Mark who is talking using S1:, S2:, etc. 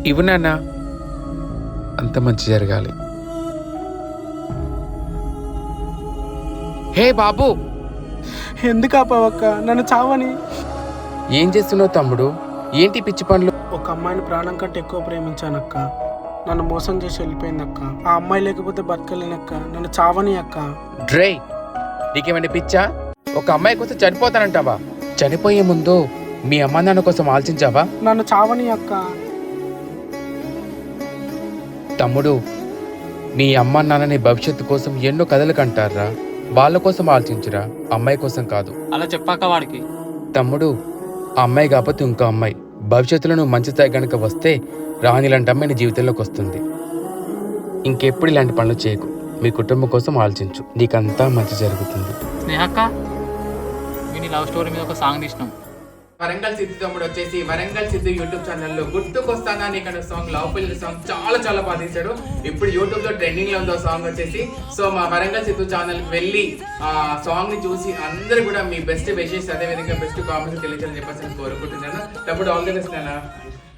S1: ఇవ్వు నాన్న, అంత మంచి జరగాలి. హే బాబు,
S2: ఎందుకు ఆపావక్క? నన్ను చావని.
S1: ఏం చేస్తున్నావు తమ్ముడు? ఏంటి పిచ్చి పనులు?
S2: ఒక అమ్మాయిని ప్రాణం కంటే ఎక్కువ ప్రేమించానక్క. నన్ను మోసం చేసి వెళ్ళిపోయిందక్క. ఆ అమ్మాయి లేకపోతే బతకలేనక్క. నన్ను చావని అక్క.
S1: డ్రై, నీకేమైనా పిచ్చా? ఒక అమ్మాయి కోసం చనిపోతానంటావా? చనిపోయే ముందు మీ అమ్మ నాన్న కోసం ఆలోచించావా?
S2: నన్ను చావని అక్క.
S1: తమ్ముడు, మీ అమ్మ నాన్నని భవిష్యత్తు కోసం ఎన్నో కథలు కంటారా. వాళ్ళ కోసం ఆలోచించురా, అమ్మాయి కోసం కాదు.
S3: అలా చెప్పాక వాడికి.
S1: తమ్ముడు, ఆ అమ్మాయి కాకపోతే ఇంకో అమ్మాయి భవిష్యత్తులో నువ్వు మంచి స్థాయి కనుక వస్తే రాని ఇలాంటి అమ్మాయి నీ జీవితంలోకి వస్తుంది. ఇంకెప్పుడు ఇలాంటి పనులు చేయకు. మీ కుటుంబం కోసం ఆలోచించు, నీకంతా మంచి జరుగుతుంది.
S3: స్నేహక్క, మీ లవ్ స్టోరీ మీద ఒక సాంగ్ తీసినాం.
S1: వరంగల్ సిద్ధు తమ్ముడు వచ్చేసి వరంగల్ సిద్ధు యూట్యూబ్ ఛానల్లో గుర్తుకొస్తానా నీకు సాంగ్, లవ్ పిల్లల సాంగ్ చాలా బాగా తీశాడు. ఇప్పుడు యూట్యూబ్ లో ట్రెండింగ్ లో ఉందో సాంగ్ వచ్చేసి. సో మా వరంగల్ సిద్ధు ఛానల్ కి వెళ్ళి ఆ సాంగ్ ని చూసి అందరూ కూడా మీ బెస్ట్ విషెస్, అదే విధంగా బెస్ట్ కామెంట్స్ తెలియజేయాలని చెప్పేసి కోరుకుంటున్నాను. తమ్ముడు ఆల్ ది బెస్ట్ నాన్న.